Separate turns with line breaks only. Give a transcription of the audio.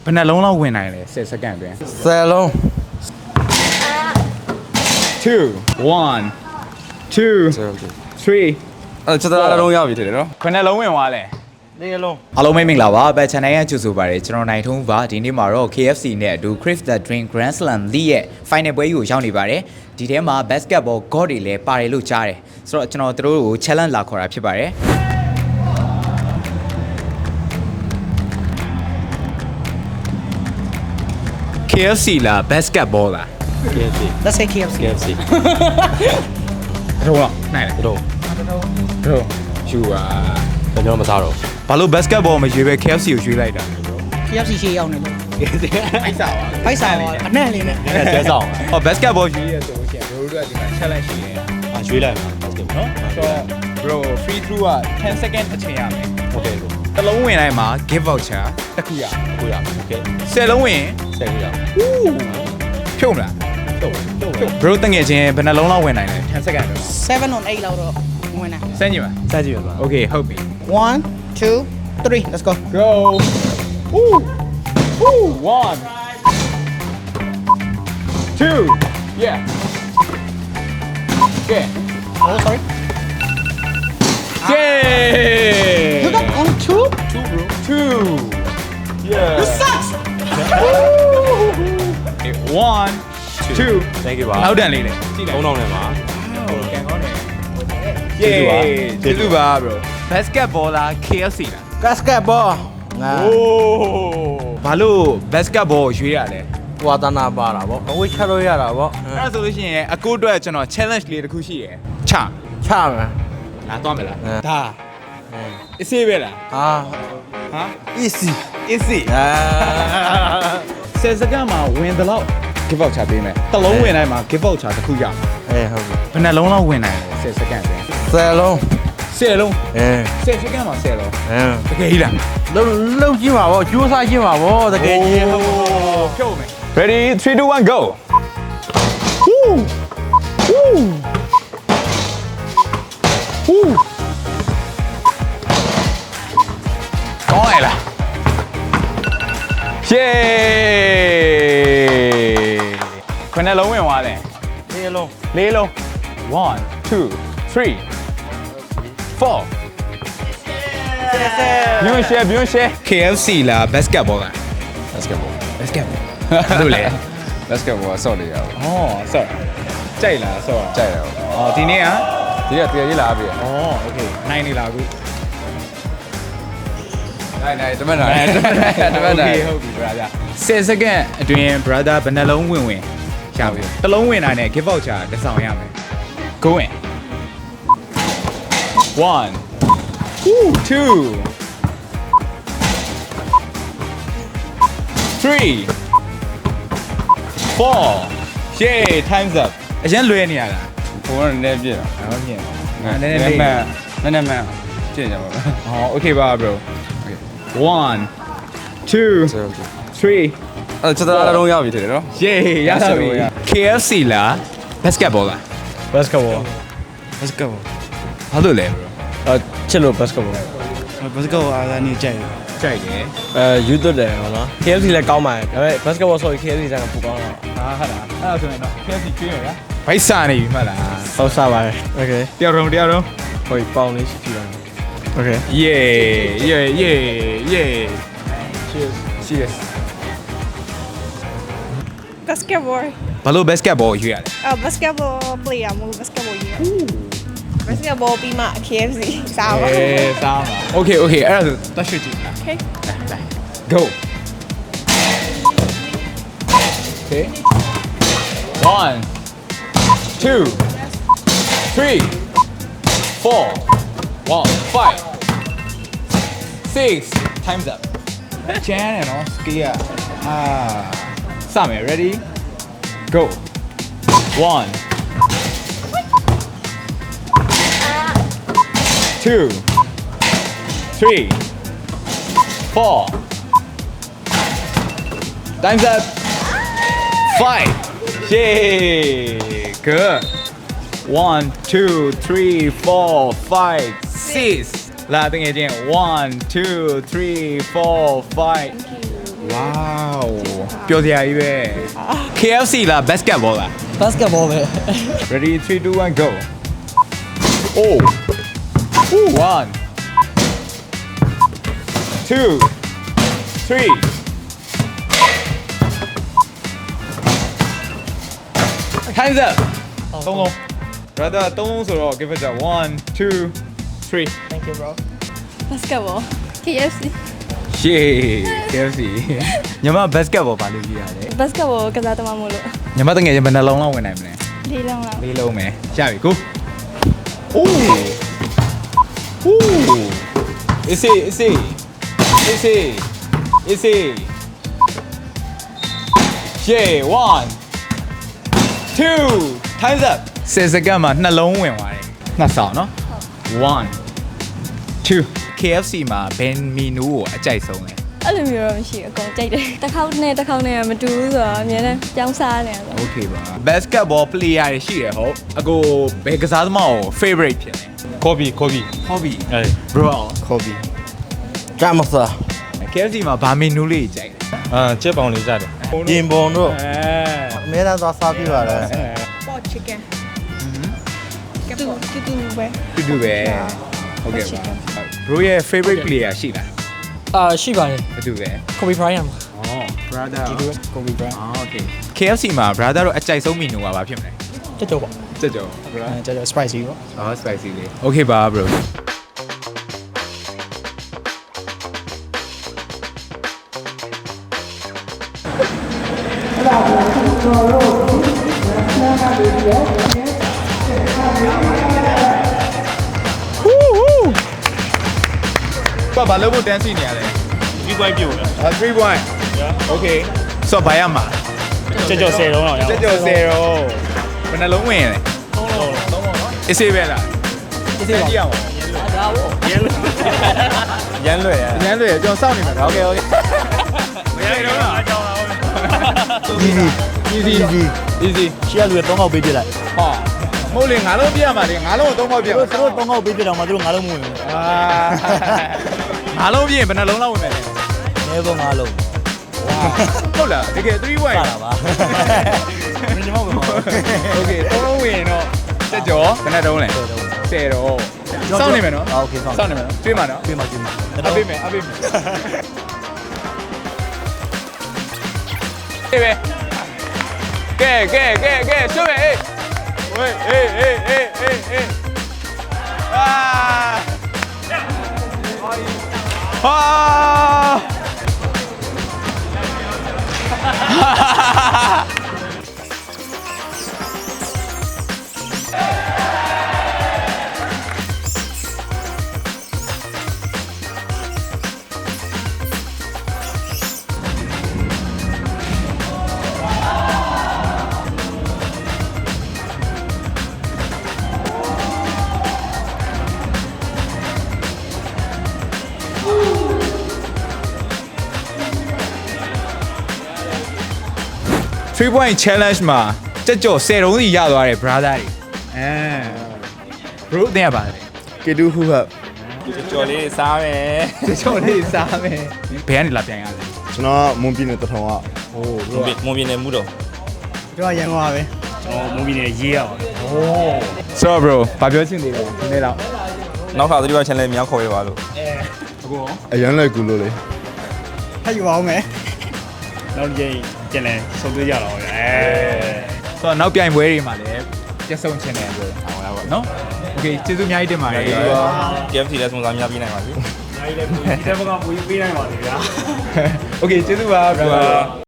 ဘယ်နှလုံးလောက်ဝင်နိုင်လဲ10စက္ကန့်အတွင်း
10 လုံး
2 1 2 3
ကျွန်တော်လုံးရောက်ပြီထင်တယ်နော်
ဘယ်နှလုံးဝင်သွားလဲ
4 လုံး
အားလုံးမင်္ဂလာပါဘက် channel ရဲ့ကြိုဆိုပါရစေကျွန်တော်နိုင်ထုံးပါဒီနေ့မှာတော့ KFC နဲ့အတူ Crave the Dream Grand Slam League ရဲ့ final ပွဲကြီးကိုရောက်နေပါတယ်ဒီထဲမှာ basketball god တွေလည်းပါတယ်လို့ကြားတယ်ဆိုတော့ကျွန်တော်တို့ကို challenge လာခေါ်တာဖြစ်ပါတယ်KFC လား basketball လား
KFC
Let's say KFC.
KFC
တော့နိုင်တယ်
တော့
တော့ယူပါ
ကျွန်တော်မစားတော့
ဘာလို့ basketball မရွေးပဲ KFC ကိုရွေးလိုက်တာ
KFC ရှေ့ရောက်နေလို့
အိုက်စားပါ
ဖိုက်စားပါအနက်လေးနဲ့
အဲ့ဒါကျဲဆောင်
ဟော basketball ရွေးရဆိုလို့ရှိရင်ဘရိုတို့ကဒီမှာ challenge ရှိတယ်
ရွေးလိုက်မှာဟုတ်ကဲ့နော်
ဆိုတော့ bro free throw က10 second အချိန်ရမယ်
ဟုတ်ကဲ့ကို
တစ်လုံးဝင်တိုင်းမှာ give voucher တစ်ခုရ
ကိုရဟုတ်ကဲ့
10လုံးဝင်
ဆက်ကြရ
ဖြုတ်မလား
တော့တော့
bro တငယ်ချင်းဘယ်နှလုံးလောက်ဝင်နိုင်လဲ10 second တော့
7 on 8လောက်တော့ဝင်နေ
စမ်းကြည့်ပါ
ဆက်ကြည့်ရပါ
okay ဟုတ်ပြီ
1 2 3 let's go
go woo woo 1 2 yeah okay
oh sorry
yay
you got only 2
2 yeah
you sucks
1 2
thank you ပါ
နောက်တန်လေးလေကြည့်လိုက်
3000နဲ့ပါ
ကန်ကောင်းတယ်
ကျေးဇူးပါ
ကျေးဇူးပါ bro basketball လား KFC လား
basketball ငါ
โอ้ဘာလို့ basketball ရွေးရလဲ
ဝါသနာပါတာဗောအဝိတ်ချလို့ရတာဗော
အဲ့ဒါဆိုလို့ရှိရင်အကိုအတွက်ကျွန်တော် challenge လေးတစ်ခုရှိရယ်ချ
ချမယ်
လာတော့မလား
အဲ
ဒါအစ်စေးပဲလား
ဟာ
ဟာ
easy
အစ်စေး
အာ
10စက္ကန့်မှာဝင်သလောက် give voucher ပေးမယ်တစ်လုံးဝင်တိုင်းမှာ give voucher တစ်ခုရမယ်
အေးဟုတ်ပြီ
ဘယ်နှလုံးလောက်ဝင်နိုင်လဲ10စက္ကန့်အတွင်း
10 လုံး
10လုံး
အဲ
10စက္ကန့်မှာ10လုံး
အဲ
တကယ်ကြီးလား
လုံးကြည့်ပါဗောကျိုးစားကြည့်ပါဗောတကယ်ကြီး
ဖြုတ်မယ် ready 3 2 1 go woo woo woo ကောင်းရလား ယေခဏလုံးဝင်သွားတယ်
4 လုံး
လေးလုံး1 2 3 4ညွှန်ရှယ် KFC လား basketball လား
basketball
basketball တို့လေ
basketball ဆော့နေရအောင်
ဩဆော့ကြိုက်လားဆော့
ကြိုက်ရအောင်
ဩဒီနေ့က
ဒီကတကယ်ကြီးလာပြီ
ဩ okay နိုင်နေလားအခု
နိုင်တမန်နိုင်တမန်နိုင်
ဟုတ်ပြီ brother 10စက္ကန့်အတွင်း brother ဘယ်နှလုံးဝင်ရပြီတစ်လုံးဝင်တာနဲ့ give voucher တစ်ဆောင်ရမယ် go in 1 2 3 4 yay time's up အရင်လွယ်နေရတာ
ဘုံကလည်းပြည့်တာ
ဟုတ်မြင်ငါန
န
ည်း
ည်း
နည်း
န
လေး
ည်းမှန်နည်းနည်းမှန်ပြည့်ကြပါမယ်
ဟော okay ပါ bro 1 2 3
အဲ့ကျွန်တော်လုံးရောက်ပြီထင်တယ်နော်
yay ရတာပြီ KFC လား basketball လား
basketball
ဘာလို့လဲ bro
ချစ်လို့ basketball
basketball အားကနေကြိုက်တယ်
ကြိုက်တယ်
ယူသွတ်တယ်ဟုတ်လား KFC လည်းကောင်းပါတယ်ဒါပေမဲ့ basketball ဆိုရင် KFC ကပိုကောင်းတာ
ဟာဟာလားအဲ့ဒါဆိုရင်တော့ KFC ကျွေးရလားဘိုက်စာနေပြီမှတ်လား
ဟုတ်စားပါတယ် okay
တယောက်တော့
ဟိုပေါင်လေးရှိကြတယ် okay
yeah cheers
Basketball.
ဘာလို့ basketball ရွေးရလဲ
Basketball player မဟုတ် basketball ကြီး။ Basketball ပြီးမှ KFC စားပါ
စားပါ okay အဲ့ဒါဆိုတတ်ရွှေ့ကြည့်လား
Okay.
Go. Okay. 1, 2, 3, 4, 5, 6. Time's up. Jan and all ski up. Same, ready? Go. 1, 2, 3, 4. Time's up. 5. Yay. Good. 1, 2, 3, 4, 5, 6. လာတင်ငယ်ချင်း 1 2 3 4 5 Wow ပျော်စရာကြီးပဲ KFC လား basketball လား
basketball ပဲ
Ready 3 2 1 go Oh Ooh 1 2 3 Time's up သုံးလုံး brother သုံးလုံးဆိုတော့ give it a 1 2 3
thank you bro
basketball KFC
Shit KFC ညီမ basketball ဘာလို့ကြီးရလဲ
basketball ကစားသမားမို့လို့
ညီမတငယ်ချင်းဘယ်နှလုံးလောက်ဝင်နိုင်မလဲ
လေးလုံးလောက်
လေးလုံးပဲရပြီကို Ooh Ooh Is it Yeah 1 2 Time's up 10 စက္ကန့်မှာနှလုံးဝင်သွားတယ်နှစ်ဆောင်နော်1 2 KFC မှာဘယ်မီနူကိုအကြိုက်ဆုံးလဲ
အဲ့လိုမျိုးတော့မရှိဘူးအကုန်ကြိုက်တယ်တစ်ခေါက်နဲ့မတူဘူးဆိုတော့အများနဲ့ကြောင်းစားနေတယ်
Okay ပါ Basketball player တွေရှိတယ်ဟုတ်အကိုဘယ်ကစားသမားကို favorite ဖြစ်လဲ
Kobe
Hobby
အေး
Bro
Kobe Gamasa
KFC မှာဗာမီနူလေးကြိုက်တယ်
ကျက်ပေါင်လေးကြတယ်
ပြင်ပုံတို့
အဲ
အများအားသွားစားပြပါတယ်
pot chicken တူပဲ
တူပဲဟုတ်ကဲ့ပါ Bro ရဲ့ favorite player ရှိလား
ရှိပါတယ်
ဘယ်သူပဲ
Kobe Bryant ပါ
Oh brother
ဒီလို Kobe Bryant
Okay KFC မှာ brother တို့အကြိုက်ဆုံးမီနူကဘာဖြစ်မလဲ
တက်တော့ပါ
ကြက်ကြော်
တက်တော့ spicy ပေါ့
Oh spicy လေး Okay ပါ bro ဘာဘာလို့တန်းစီနေရလဲ
ဒီကွိုင်းပြုတ်လား
3 point Okay ဆိုတော့ဘာရမှာ
ကျက်10လုံးတော့ရ
ကြက်ကြော်0ဘယ်နှလုံးဝင်လဲ
3လုံး
အစ်စေးပဲလား
ဒီစီပါ
ကြည့်အောင်
ရမ်းလွယ်ရ
အញ្ញမ်းလွယ်ကျွန်တော်စောင့်နေမှာ Okay Okay မရတော့လားအကြောင်းလား
easy
Easy Easy
ရှေ့ကလူတွေ3ခေါက်ပေးပြလိုက်
ဟာမဟုတ်လေငါလုံးပြရမှာလေငါလုံးကို3ပေါက်ပြရမှာ
သူတို့3ခေါက်ပေးပြတော့မှသူတို့9လုံးမဝင်ဘူး
အာငါလုံးပြရင်ဘယ်နှလုံးလောက်ဝင်မလဲ
နဲပေါ်9လုံး
ဟုတ်လားတကယ်3 point
ပါတာပါမင်းတို့မဟုတ်ဘူး
Okay 3လုံးဝင်ရင်တော့တက်ကြောဘယ်နှတုံးလဲ10တော့စောင့်နေမယ်နော်
โอเคစောင့်
စောင့်နေမယ်နော်တွေးမှာနော်
ပြေးမှာ
အပေးမယ်ဟေးပဲကဲဆွဲမယ်ဟေး3 point challenge မှာကြက်ကြော်10လုံးစီရသွားတယ် brother တွေbro တင်ရပါလေ
Kedu who up
ကြော်လေးစားမယ်
ကြက်ကြော်လေးစားမယ်ဘယ်ကနေလာပြန်ရလဲ
ကျွန်တော်မွန်ပြည်နယ်တထောင်က
ဟို
မွန်ပြည်နယ်မှုတော့
ကျွန်တော်ရန်ကုန်ပါပဲ
ကျွန်တော်မွန်ပြည်နယ်ရေးရပါ
ဆိုတော့ bro ဘာပြောချင်သေးလဲဒီနေ့တော့
နောက်ခါသတိပါ channel မြောက်ခေါ်ရပါလို့
အခုရော
အရန်လိုက်ကူလို့လေဟဲ့ယူပါဦးမယ်
နောက်ကြိမ် channel ဆုံးသွေးကြတော့ဗျာ
ဆိုတော့နောက်ပြိုင်ပွဲတွေမှာလည်းပြတ်ဆုံးချင်တယ် bro ဟောလားပေါ့နော် Okay ကျေးဇူးအများကြီးတင်ပါတယ်
KFC လည်းစုံစမ်းများပြီးနိုင်ပါစေ
Okay ကျေးဇူးပါ bro